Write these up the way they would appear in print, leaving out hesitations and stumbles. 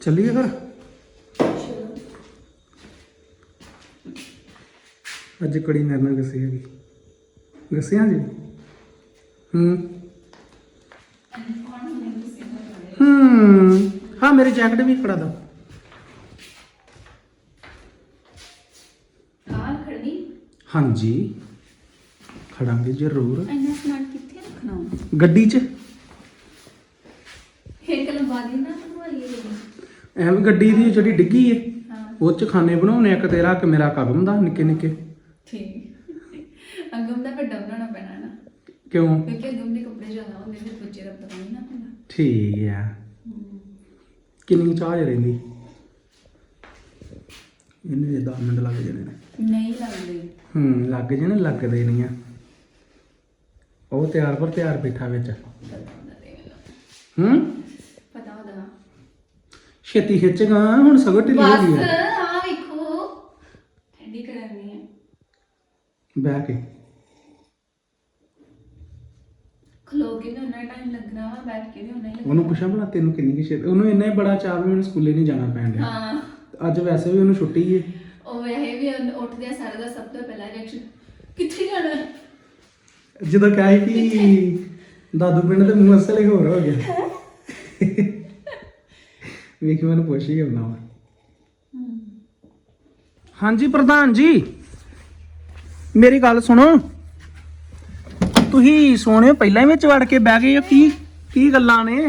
ਚੱਲੀਏ ਫਿਰ ਅੱਜ ਕੜੀ ਮੇਰੇ ਨਾਲ ਗਸੀ ਹੈਗੀ ਗਸਿਆਂ ਜੀ ਹਾਂ ਮੇਰੀ ਜੈਕਟ ਵੀ ਫੜਾ ਦੋ ਹਾਂਜੀ ਖੜਾਂਗੇ ਜ਼ਰੂਰ ਇੰਨਾ ਸਮਾਨ ਕਿੱਥੇ ਰੱਖਣਾ ਗੱਡੀ 'ਚ ਇੱਕ ਲੰਬਾ ਦੀ ਨਾ ਬਣਵਾਈਏ ਐਵੇਂ ਗੱਡੀ ਦੀ ਜਿਹੜੀ ਡਿੱਗੀ ਏ ਉਹ 'ਚ ਖਾਣੇ ਬਣਾਉਣੇ ਇੱਕ ਤੇਰਾ ਇੱਕ ਮੇਰਾ ਕਦਮ ਦਾ ਨਿੱਕੇ ਨਿੱਕੇ ਠੀਕ ਅਗਮ ਦਾ ਵੱਡਾ ਬਣਾਉਣਾ ਪੈਣਾ ਨਾ ਕਿਉਂ ਕਿਉਂਕਿ ਅਗਮ ਦੇ ਕੱਪੜੇ ਜ਼ਿਆਦਾ ਹੁੰਦੇ ਨੇ ਬੱਚੇ ਦਾ ਪਤਾ ਨਹੀਂ ਨਾ ਹੁੰਦਾ ਠੀਕ ਆ ਕਿੰਨੀ ਚਾਰਜ ਰਹਿੰਦੀ ਇਹਨੇ 10 ਮਿੰਟ ਲੱਗ ਜਾਣੇ ਨੇ ਨਹੀਂ ਲੱਗਦੇ ਲੱਗ ਜਾਣੇ ਲੱਗਦੇ ਨਹੀਂ ਆ ਉਹ ਤਿਆਰ ਪਰ ਤਿਆਰ ਬੈਠਾ ਵਿੱਚ ਪਤਾ ਉਹਦਾ ਛੇਤੀ ਖਿੱਚਗਾ ਹੁਣ ਸਗੋਂ ਢਿੱਲੀ ਹੋ ਗਈ ਬਸ ਹੈ ਆ ਵੇਖੋ ਠੰਡੀ ਕਰਾਉਣੀ ਹੈ ਬਹਿ ਕੇ ਖਲੋ ਕੇ ਵੀ ਉਹਨਾਂ ਟਾਈਮ ਲੱਗਣਾ ਵਾ ਬੈਠ ਕੇ ਵੀ ਉਹਨਾਂ ਹੀ ਲੱਗਣਾ ਉਹਨੂੰ ਪੁੱਛਾਂ ਭਲਾ ਤੈਨੂੰ ਕਿੰਨੀ ਕਿ ਛੇਤੀ ਉਹਨੂੰ ਇੰਨਾ ਹੀ ਬੜਾ ਚਾਅ ਵੀ ਮੈਨੂੰ ਸਕੂਲੇ ਨਹੀਂ ਜਾਣਾ ਪੈਣ ਡਿਆ ਹਾਂ ਅੱਜ ਵੈਸੇ ਵੀ ਉਹਨੂੰ ਛੁੱਟੀ ਏ ਉਹ ਇਹ ਵੀ ਉੱਠਦੇ ਆ ਸਾਰਾ ਦਾ ਸਭ ਤੋਂ ਪਹਿਲਾ ਰਿਐਕਸ਼ਨ ਕਿੱਥੇ ਜਾਣਾ ਜਦੋਂ ਕਹੇ ਕਿ ਦਾਦੂ ਪਿੰਡ ਦੇ ਮੂੰਹ ਅਸਲੇ ਹੋਰ ਹੋ ਗਿਆ ਵੇਖੀ ਮੈਨੂੰ ਪੁੱਛ ਹੀ ਆਉਣਾ ਵਾ ਹਾਂਜੀ ਪ੍ਰਧਾਨ ਜੀ ਮੇਰੀ ਗੱਲ ਸੁਣੋ ਤੁਸੀਂ ਸੋਹਣੇ ਪਹਿਲਾਂ ਹੀ ਵਿੱਚ ਵੜ ਕੇ ਬਹਿ ਗਏ ਹੋ ਕੀ ਗੱਲਾਂ ਨੇ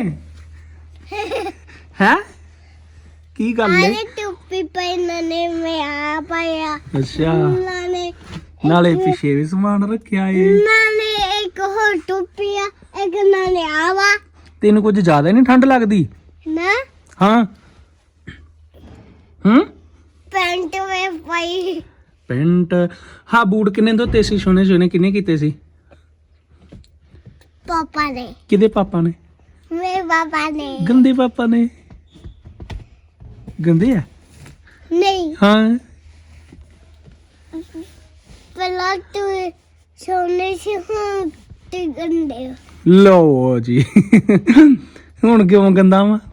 ਹੈ ਕੀ ਗੱਲ ਹੈ ਟੋਪੀ ਪਹਿਨਣੇ ਮੈਂ ਆ ਪਾਇਆ ਅੱਛਾ ਨਾਲੇ ਨਾਲੇ ਪਿੱਛੇ ਵੀ ਸਮਾਨ ਰੱਖਿਆ ਏ ਨਾਲੇ ਇੱਕ ਹੋਰ ਟੋਪੀ ਆ ਇੱਕ ਨਾਲੇ ਆਵਾ ਤੈਨੂੰ ਕੁਝ ਜ਼ਿਆਦਾ ਨਹੀਂ ਠੰਡ ਲੱਗਦੀ ਨਾ ਹਾਂ ਪੈਂਟ ਵਿੱਚ ਪਾਈ ਪੈਂਟ ਹਾਂ ਬੂਟ ਕਿੰਨੇ ਧੋਤੇ ਸੀ ਸੋਹਣੇ ਸੋਹਣੇ ਕਿੰਨੇ ਕੀਤੇ ਸੀ ਪਾਪਾ ਨੇ ਕਿਹਦੇ ਪਾਪਾ ਨੇ ਮੇਰੇ ਪਾਪਾ ਨੇ ਗੰਦੇ ਪਾਪਾ ਨੇ ਗੰਦੇ ਆ ਨਹੀਂ ਹਾਂ ਪਹਿਲਾਂ ਤੂੰ ਸੋਨੇ ਸੀ ਹੁਣ ਤੇ ਗੰਦੇ ਹੋ। ਲਓ ਜੀ ਹੁਣ ਕਿਉਂ ਗੰਦਾ ਵਾ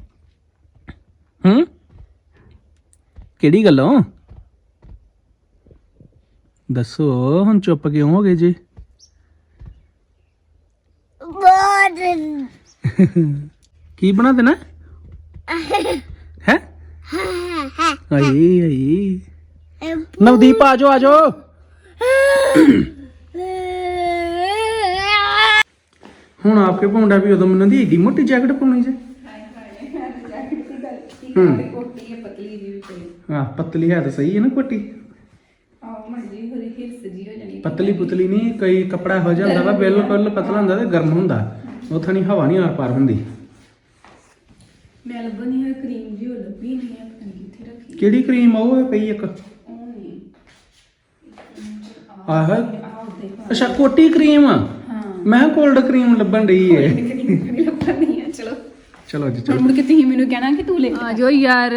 ਕਿਹੜੀ ਗੱਲੋਂ ਦੱਸੋ ਹੁਣ ਚੁੱਪ ਕਿਉਂ ਹੋ ਗਏ ਜੀ ਬਹੁਤ ਕੀ ਬਣਾ ਦੇਣਾ ਹੈ ਆਈ ਆਈ ਨਵਦੀਪ ਆ ਜਾਓ ਹੁਣ ਆਪਕੇ ਪਾਉਂਦਾ ਵੀ ਉਦੋਂ ਮੈਨੂੰ ਦੀ ਏਡੀ ਮੋਟੀ ਜੈਕਟ ਪਾਉਣੀ ਜੇ ਕੋਟੀ ਹੈ ਪਤਲੀ ਜੀ ਵੀ ਕੋਈ ਹਾਂ ਪਤਲੀ ਹੈ ਤਾਂ ਸਹੀ ਹੈ ਨਾ ਕੋਟੀ ਆਹ ਮੰਡੀ ਹੋਰੀ ਹਿਰਸ ਜੀ ਹੋ ਜਾਣੀ ਪਤਲੀ ਪੁਤਲੀ ਨਹੀਂ ਕਈ ਕੱਪੜਾ ਹੋ ਜਾਂਦਾ ਵਾ ਬਿਲਕੁਲ ਪਤਲਾ ਹੁੰਦਾ ਤੇ ਗਰਮ ਹੁੰਦਾ ਉਥੋਂ ਨਹੀਂ ਹਵਾ ਨਹੀਂ ਆਰ ਪਾਰ ਹੁੰਦੀ ਮੈਂ ਲੱਭਣੀ ਹੈ ਕਰੀਮ ਜੀ ਉਹ ਲੱਭੀ ਨਹੀਂ ਹੈ ਪਤਾ ਨਹੀਂ ਕਿੱਥੇ ਰੱਖੀ ਕਿਹੜੀ ਕਰੀਮ ਆ ਉਹ ਪਈ ਇੱਕ ਉਹ ਨਹੀਂ ਆਹ ਆਹ ਦੇਖੋ ਅੱਛਾ ਕੋਟੀ ਕਰੀਮ ਹਾਂ ਮੈਂ ਕੋਲਡ ਕਰੀਮ ਲੱਭਣ ਡਈ ਏ ਨਹੀਂ ਲੱਭਣੀ ਹੈ ਚਲੋ ਚਲੋ ਜੀ ਹੁਣ ਚਲੋ ਮੁੜ ਕੇ ਤੁਸੀਂ ਮੈਨੂੰ ਕਹਿਣਾ ਕਿ ਤੂੰ ਲੈ ਆ ਜਾਓ ਯਾਰ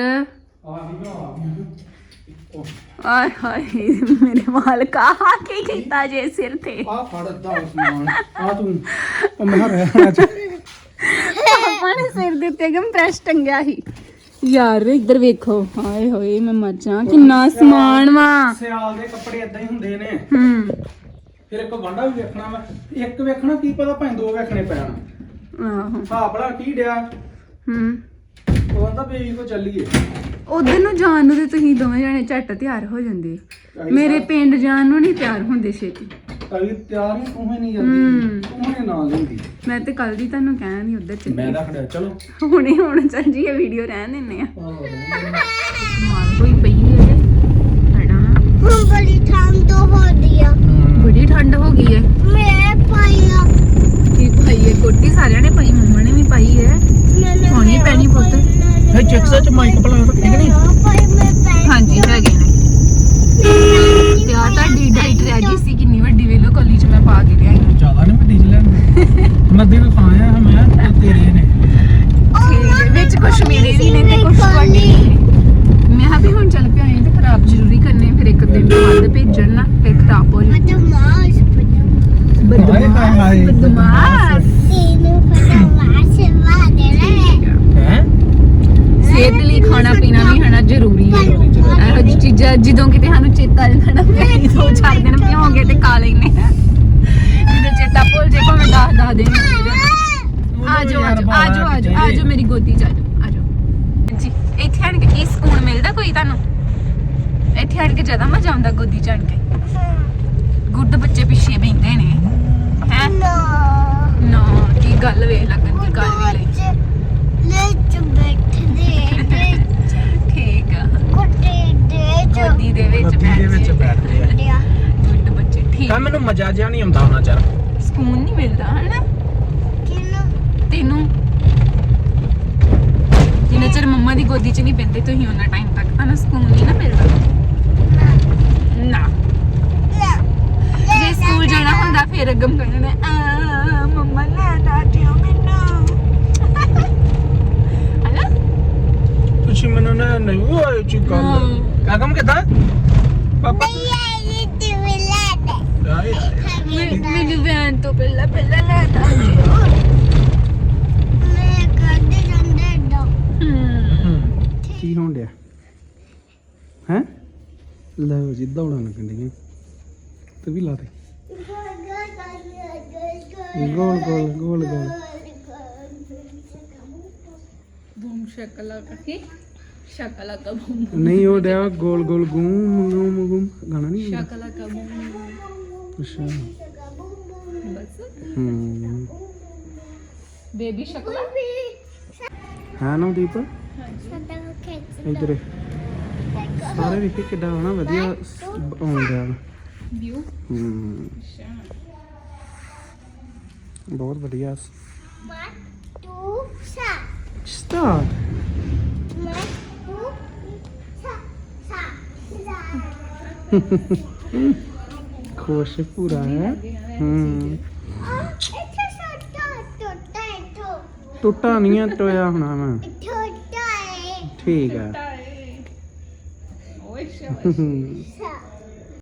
ਆਏ ਹਾਏ ਮੇਰੇ ਵਾਲ ਕਾਹਾ ਕੀ ਕੀਤਾ ਜੇ ਸਿਰ ਤੇ ਆ ਫੜ ਦਾ ਸਮਾਨ ਆ ਤੂੰ ਉਹ ਮੈਂ ਰਹਿਣਾ ਚ ਪਾਪਾ ਨੇ ਸਿਰ ਦੇ ਉੱਤੇ ਕੰਪਰੈਸ ਟੰਗਿਆ ਸੀ ਯਾਰ ਇੱਧਰ ਵੇਖੋ ਹਾਏ ਹੋਏ ਮੈਂ ਮਰ ਜਾ ਕਿੰਨਾ ਸਮਾਨ ਵਾ ਸਿਆਲ ਦੇ ਕੱਪੜੇ ਇਦਾਂ ਹੀ ਹੁੰਦੇ ਨੇ ਹੂੰ ਫਿਰ ਇੱਕ ਵਾਂਡਾ ਵੀ ਵੇਖਣਾ ਵਾ ਇੱਕ ਵੇਖਣਾ ਕੀ ਪਤਾ ਭਾਵੇਂ ਦੋ ਵੇਖਣੇ ਪੈਣ ਆਹੋ ਹਾਂ ਬੜਾ ਕੀ ਡਿਆ ਹੂੰ ਉਹ ਕਹਿੰਦਾ ਬੇਬੀ ਕੋ ਚੱਲੀਏ ਉਧਰ ਨੂੰ ਜਾਣ ਨੂੰ ਤੇ ਤੁਸੀਂ ਦੋਵੇਂ ਜਣੇ ਝੱਟ ਤਿਆਰ ਹੋ ਜਾਂਦੇ ਮੇਰੇ ਪਿੰਡ ਜਾਣ ਨੂੰ ਨਹੀਂ ਤਿਆਰ ਹੁੰਦੇ ਛੇਤੀ ਕਵੀ ਤਿਆਰ ਹੀ ਤੂੰ ਹੀ ਨਹੀਂ ਜਾਂਦੀ ਤੂੰ ਹੀ ਨਾਲ ਲੈਂਦੀ ਮੈਂ ਤੇ ਕੱਲ ਦੀ ਤੁਹਾਨੂੰ ਕਹਿਆ ਨਹੀਂ ਉਧਰ ਚੱਲੀ ਮੈਂ ਰੱਖ ਲਿਆ ਚਲੋ ਹੁਣ ਚੱਲ ਜੀ ਇਹ ਵੀਡੀਓ ਰਹਿਣ ਦਿੰਨੇ ਆ ਮਾਲ ਕੋਈ ਪਈ ਹੈ ਹੜਾ ਹੁਣ ਬੜੀ ਠੰਡ ਹੋ ਰਹੀ ਆ ਬੜੀ ਠੰਡ ਹੋ ਗਈ ਹੈ ਮੈਂ ਪਾਇਆ ਕੀ ਪਾਈ ਹੈ ਕੋਟੀ ਸਾਰਿਆਂ ਨੇ ਪਾਈ ਮੰਮਾ ਨੇ ਵੀ ਪਾਈ ਹੈ ਹੋਣੀ ਪੈਣੀ ਪੁੱਤ ਹੈ ਚੈਕਸਾ ਚ ਮਾਈਕ ਪਲਾ ਰੱਖੀ ਕਿ ਨਹੀਂ ਹਾਂਜੀ ਹੈਗੇ ਨੇ ਤੇ ਆ ਤੁਹਾਡੀ ਡਾਈਟ ਰਹਿ ਗਈ ਸੀ ਕਿੰਨੀ ਵੱਡੀ ਵੇਲੋ ਕੋਲੀ ਚ ਮੈਂ ਪਾ ਕੇ ਲਿਆਈ ਹਾਂ ਜ਼ਿਆਦਾ ਨਹੀਂ ਵੱਡੀ ਲੈਣ ਮੈਂ ਦਿਨ ਖਾਇਆ ਮੈਂ ਤੇਰੇ ਨੇ ਵਿੱਚ ਕੁਛ ਮੇਰੇ ਵੀ ਨੇ ਤੇ ਕੁਛ ਤੁਹਾਡੇ ਨੇ ਮੈਂ ਕਿਹਾ ਵੀ ਹੁਣ ਚੱਲ ਪਿਆ ਤੇ ਖਰਾਬ ਜ਼ਰੂਰੀ ਕਰਨੇ ਫਿਰ ਇੱਕ ਦਿਨ ਬਾਅਦ ਭੇਜਣ ਨਾ ਫਿਰ ਖਰਾਬ ਹੋ ਜਾਣ ਹਾਏ ਬਦਮਾਸ਼ ਹੈ ਸਿਹਤ ਲਈ ਖਾਣਾ ਪੀਣਾ ਵੀ ਹਨਾ ਜ਼ਰੂਰੀ ਹੈ ਇਹੋ ਜਿਹੀ ਚੀਜ਼ਾਂ ਜਦੋਂ ਕਿਤੇ ਸਾਨੂੰ ਚੇਤਾ ਆ ਜਾਂਦਾ ਨਾ ਫਿਰ ਅਸੀਂ 2-4 ਦਿਨ ਭਿਓਂਗੇ ਤੇ ਖਾ ਲੈਨੇ ਆ ਜਦੋਂ ਚੇਤਾ ਭੁੱਲ ਜੇ ਭਾਵੇਂ 10 ਦਿਨ ਆਜੋ ਮੇਰੀ ਗੋਦੀ ਚ ਆਜੋ ਜੀ ਇੱਥੇ ਆਣ ਕੇ ਕੀ ਸਕੂਨ ਮਿਲਦਾ ਕੋਈ ਤੁਹਾਨੂੰ ਇੱਥੇ ਆਣ ਕੇ ਜ਼ਿਆਦਾ ਮਜ਼ਾ ਆਉਂਦਾ ਗੋਦੀ ਚ ਆਣ ਕੇ ਗੁੱਡ ਬੱਚੇ ਪਿੱਛੇ ਬੈਠਦੇ ਨੇ ਹੈ ਨਾ ਕੀ ਗੱਲ ਵੇ ਲੱਗਣ ਦੀ ਗੱਲ ਵੀ ਲਈ ਠੀਕ ਆ ਗੋਦੀ ਦੇ ਵਿੱਚ ਬੈਠਦੇ ਆ ਗੁੱਡ ਬੱਚੇ ਠੀਕ ਕਾ ਮੈਨੂੰ ਮਜ਼ਾ ਜਿਹਾ ਨਹੀਂ ਆਉਂਦਾ ਉਹਨਾਂ ਚਿਰ ਸਕੂਨ ਨਹੀਂ ਮਿਲਦਾ ਹਨਾ ਤੈਨੂੰ ਜਿੰਨਾ ਚਿਰ ਮੰਮਾ ਦੀ ਗੋਦੀ 'ਚ ਨਹੀਂ ਪੈਂਦੇ ਤੁਸੀਂ ਉਹਨਾਂ ਟਾਈਮ ਤੱਕ ਤੁਹਾਨੂੰ ਸਕੂਨ ਨਹੀਂ ਨਾ ਮਿਲਦਾ ਨਾ ਜੇ ਸਕੂਲ ਜਾਣਾ ਹੁੰਦਾ ਫਿਰ ਅਗਮ ਕਹਿਣਾ ਮੰਮਾ ਲੈ ਦਾਟਿਓ ਮੈਨੂੰ ਹਨਾ ਤੁਸੀਂ ਮੈਨੂੰ ਨਾ ਨਹੀਂ ਹੋਏ ਜੀ ਗੱਲ ਕਾਕਮ ਕਿਦਾਂ ਪਾਪਾ ਮੈਨੂੰ ਵੈਨ ਤੋਂ ਪਹਿਲਾਂ ਲੈ ਦਾਟਿਓ ਕੀ ਹੋਣ ਡਿਆ ਹੈ ਲਓ ਜੀ ਦੌੜਾਂ ਲੱਗਣ ਡੀਆਂ ਤੇ ਵੀ ਲਾ ਦੇ ਗੋਲ ਗੋਲ ਬੂਮ ਸ਼ਕਲਾ ਕੀ ਸ਼ਕਲਾ ਕਾ ਬੂਮ ਨਹੀਂ ਉਹ ਡਿਆ ਗੋਲ ਗੋਲ ਗੂਮ ਗਾਣਾ ਨਹੀਂ ਸ਼ਕਲਾ ਕਾ ਬੂਮ ਅੱਛਾ ਬਸ ਬੇਬੀ ਸ਼ਕਲਾ ਹਾਂ ਨਵਦੀਪ ਇੱਧਰ ਸਾਰੇ ਵੇਖੇ ਕਿੱਡਾ ਹਨਾ ਵਧੀਆ ਆਉਣ ਡਿਆ ਵਿਊ ਬਹੁਤ ਵਧੀਆ Start. ਸਟਾਰਟ ਖੁਸ਼ ਪੂਰਾ ਹੈ ਟੁੱਟਾ ਨਹੀਂ ਹੈ ਟੋਇਆ ਹੋਣਾ ਮੈਂ ਠੀਕ ਹੈ ਓਏ ਸ਼ਾਬਾਸ਼